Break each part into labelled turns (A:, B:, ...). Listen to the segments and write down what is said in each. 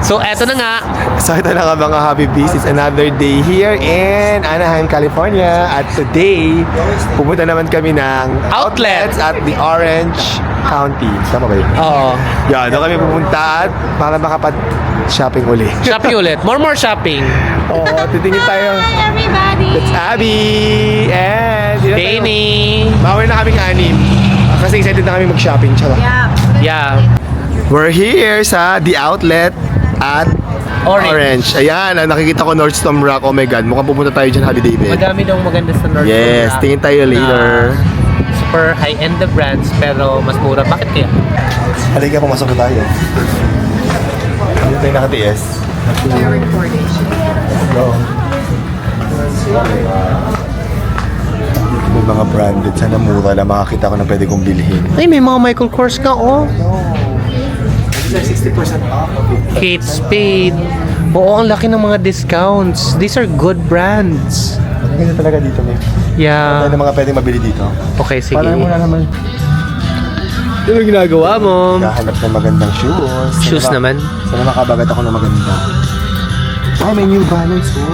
A: So, eto na nga.
B: So ito na nga mga Happy Bees. It's another day here in Anaheim, California. At today, pupunta naman kami ng outlets at the Orange County. Tama ba yun?
A: Oo.
B: Yan, doon kami pupunta at para makapag-shopping uli.
A: Shopping ulit. More shopping.
B: Oo, titingin tayo.
C: Hi, everybody!
B: It's Abby! And
A: Danny.
B: bawal na kaming anim. Kasi excited na kami mag-shopping. Charot.
A: Yeah.
B: We're here sa The Outlet at
A: Orange.
B: Ayan, nakikita ko Nordstrom Rack. Oh my God, mukhang pupunta tayo dyan, Happy David.
A: Madami daw maganda sa North
B: Yes,
A: Korea
B: tingin tayo later.
A: na super high-end na brands pero mas mura. Bakit kaya?
B: Halika, pumasok na tayo. Hindi tayo nakatiis. Go. May mga branded. Sana mura lang makakita ko na pwede kong bilhin.
A: Ay, may mga Michael Kors ka, oh.
B: These are 60% off.
A: Kate Spade. Oo, ang laki ng mga discounts. These are good brands.
B: Ang ganda talaga dito, May.
A: Yeah.
B: Ano mga pwede mabili dito?
A: Okay, sige.
B: Parang muna naman.
A: Ano ginagawa mo?
B: Kahanap ng magandang shoes.
A: Shoes naman?
B: Sana makabagat ako ng maganda. Ay, may New Balance, oh.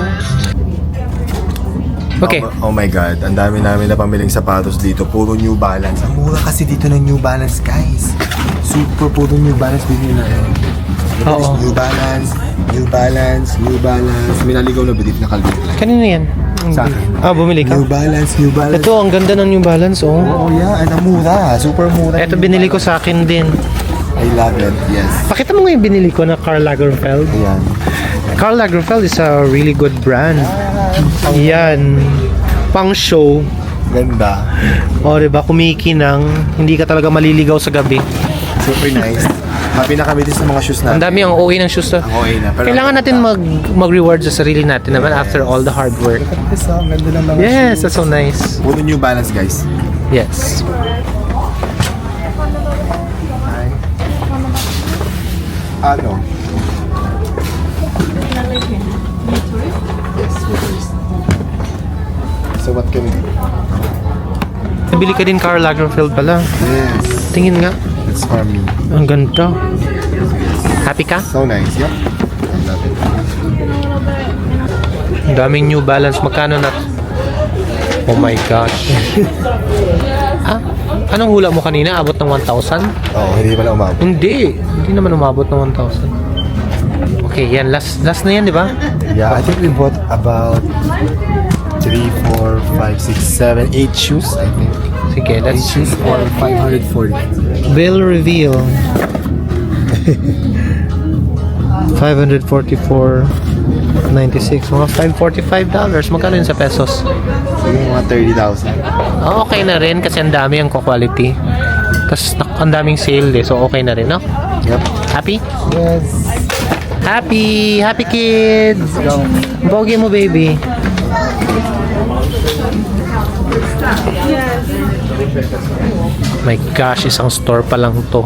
A: Okay.
B: Oh my God, ang dami namin na pamiling sapatos dito. Puro New Balance. Ang mura kasi dito ng New Balance, guys. Super puro New Balance bilhin na yun.
A: Oo.
B: New Balance, New Balance, New Balance. May naligaw na bidit na kalbit lang.
A: Kanino yan?
B: Sa akin.
A: Ah, bumili ka?
B: New Balance, New Balance.
A: Ito, ang ganda ng New Balance, oh.
B: Oh yeah, ang mura. Super mura.
A: Ito, binili ko sa akin din.
B: I love it, yes.
A: Pakita mo nga yung binili ko na Karl Lagerfeld.
B: Ayan.
A: Karl Lagerfeld is a really good brand. Yan. Pang show.
B: Ganda.
A: O, diba? Kumikinang. Hindi ka talaga maliligaw sa gabi.
B: Super nice. Happy na kami din sa mga shoes
A: Ang
B: natin.
A: dami ang OA ng shoes to.
B: Ang OA na. Pero
A: Kailangan natin mag-reward sa sarili natin naman after all the hard work.
B: Ang ganda ng mga
A: Yes,
B: shoes.
A: that's so nice.
B: Puro New Balance, guys.
A: Yes.
B: Ano? Yes, motorist. So what can we do?
A: Nabili ka din Karl Lagerfeld pala.
B: Yes.
A: Tingin nga.
B: It's for me.
A: Ang ganda. Happy ka?
B: So nice. Yep. I love it.
A: Ang daming New Balance. Magkano na? Oh my gosh. Ah, anong hula mo kanina? Abot ng 1,000?
B: Oo, hindi pala umabot.
A: Hindi. Hindi naman umabot ng 1,000. Okay, yan. Last na yan, di ba?
B: Yeah, I think we bought about 3, 4, 5, 6, 7, 8 shoes, I think.
A: Sige,
B: 8
A: let's
B: shoes for 540.
A: bill reveal. 544.96. Mga $545. Magkano yun sa pesos?
B: Sige, mga 30,000.
A: Ah, okay na rin kasi ang dami ang quality. Tapos ang daming sale eh. So okay na rin, no?
B: Yep.
A: Happy?
B: Yes.
A: Happy! Happy kids!
B: Go.
A: Bogi mo, baby. My gosh, isang store pa lang to.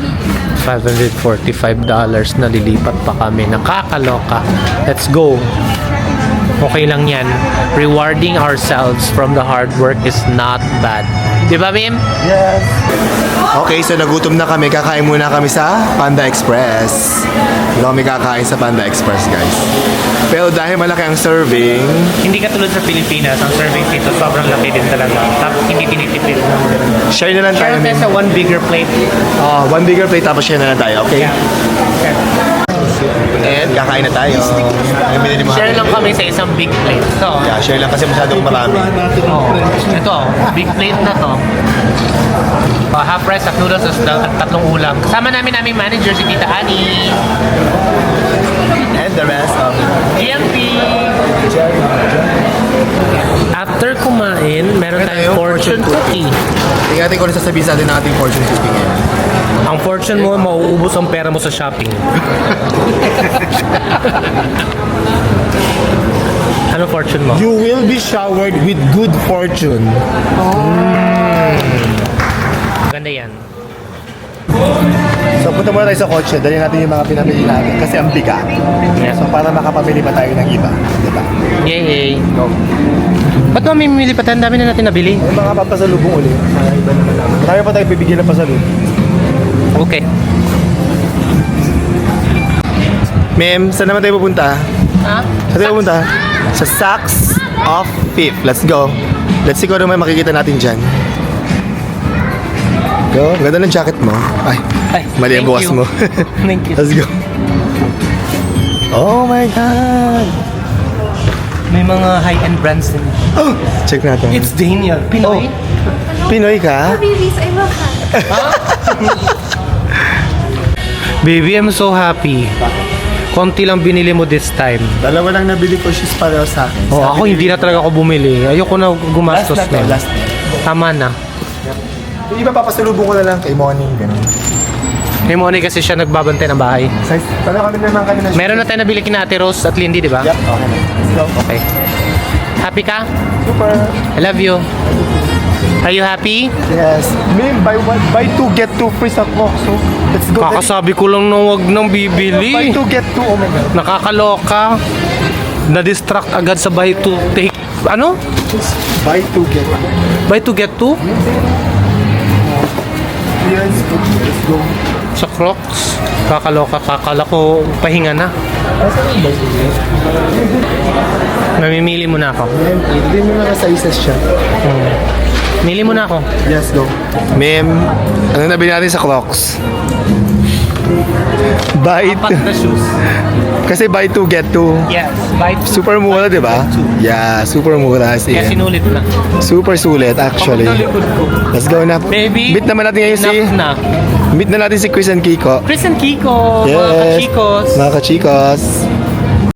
A: $545 na lilipat pa kami. Nakakaloka. Let's go. Okay lang yan. Rewarding ourselves from the hard work is not bad. Di ba, Mim?
B: Yes. Okay, so nagutom na kami. Kakain muna kami sa Panda Express. Hindi kami kakain sa Panda Express, guys. Pero dahil malaki ang serving,
A: Hindi katulad sa Pilipinas, ang serving dito sobrang laki din talaga. Tapos hindi tinitipid.
B: share na lang tayo.
A: Share tayo sa one bigger plate.
B: One bigger plate tapos share na lang tayo, okay? And kakain na tayo. Yung binili mo.
A: Share lang kami sa isang big plate. Ito.
B: Yeah, share lang kasi masyadong marami.
A: Oh, ito, big plate na to. Half rice, half noodles, at tatlong ulam. Kasama namin aming manager, si Tita Annie.
B: And the rest of
A: GMP! After kumain, meron
B: Meron
A: tayong
B: tayong
A: fortune
B: fortune
A: cookie.
B: tingnan natin kung ano sasabihin sa atin ng ating fortune cookie ngayon.
A: Ang fortune mo, mauubos ang pera mo sa shopping. Ano fortune mo?
D: You will be showered with good fortune.
A: Ganda yan.
B: So punta muna tayo sa kotse, dali natin yung mga pinamili natin kasi ang bigat.
A: Yeah.
B: So para makapamili pa tayo ng iba, di ba?
A: Yay! Ba't mamimili pa tayo? Ang dami na natin nabili.
B: Yung mga papasalubong ulit, iba naman naman. Marami pa tayo bibigyan ng pasalubong.
A: Okay.
B: Ma'am, saan naman tayo pupunta?
A: Ha?
B: Saan tayo pupunta? Sa Saks of Fifth. Let's go. Let's see kung ano may makikita natin dyan. Go. Ganda ng jacket mo. Ay,
A: Ay,
B: mali ang
A: thank
B: bukas
A: you.
B: mo.
A: Thank you.
B: Let's go. Oh my God.
A: May mga high-end brands din.
B: Oh, check natin.
A: It's Daniel. Pinoy?
B: Pinoy ka?
C: Babies, I love that.
A: Baby, I'm so happy. Konti lang binili mo this time.
B: Dalawa lang nabili ko shoes pareho sa akin.
A: Oh, ako hindi na talaga ako bumili. Ayoko na gumastos
B: Last na to,
A: na.
B: last na.
A: Tama na.
B: Yung iba papasalubong ko na lang kay Moni. Ganun.
A: May money kasi siya nagbabantay ng bahay.
B: Size, paano kami naman kanina?
A: Meron na tayo nabili kina Ate Rose at Lindy, di ba?
B: Yep, okay na. Let's go.
A: Okay. Happy ka?
B: Super.
A: I love you. Are you happy?
B: Yes. Ma'am, buy two, get two free sa Coke. So, let's go.
A: Kakasabi ko lang na wag nang
B: Buy
A: bibili.
B: two, get two. Oh my God.
A: Nakakaloka. Na-distract agad sa buy to take. Ano?
B: Buy two, get two.
A: Buy to get two?
B: Yes, let's go.
A: Sa Crocs. Kakaloka. Kakala ko pahinga na. Namimili mo na ako.
B: Ma'am, hindi mo na sizes siya.
A: Mili mo na ako.
B: Yes, go. Ma'am, ano nabili natin sa Crocs? Buy
A: Apat na shoes.
B: Kasi buy two, get two.
A: Yes. Buy two.
B: Super mura, di ba? Yeah, super mura. As
A: Kaya
B: in.
A: sinulit na.
B: Super sulit, actually.
A: Pagod na likod ko.
B: Let's go na.
A: Baby,
B: Meet naman natin ngayon si...
A: enough na.
B: Meet na natin si Chris and Kiko.
A: Chris and Kiko, mga
B: Yes.
A: kachikos.
B: Mga kachikos.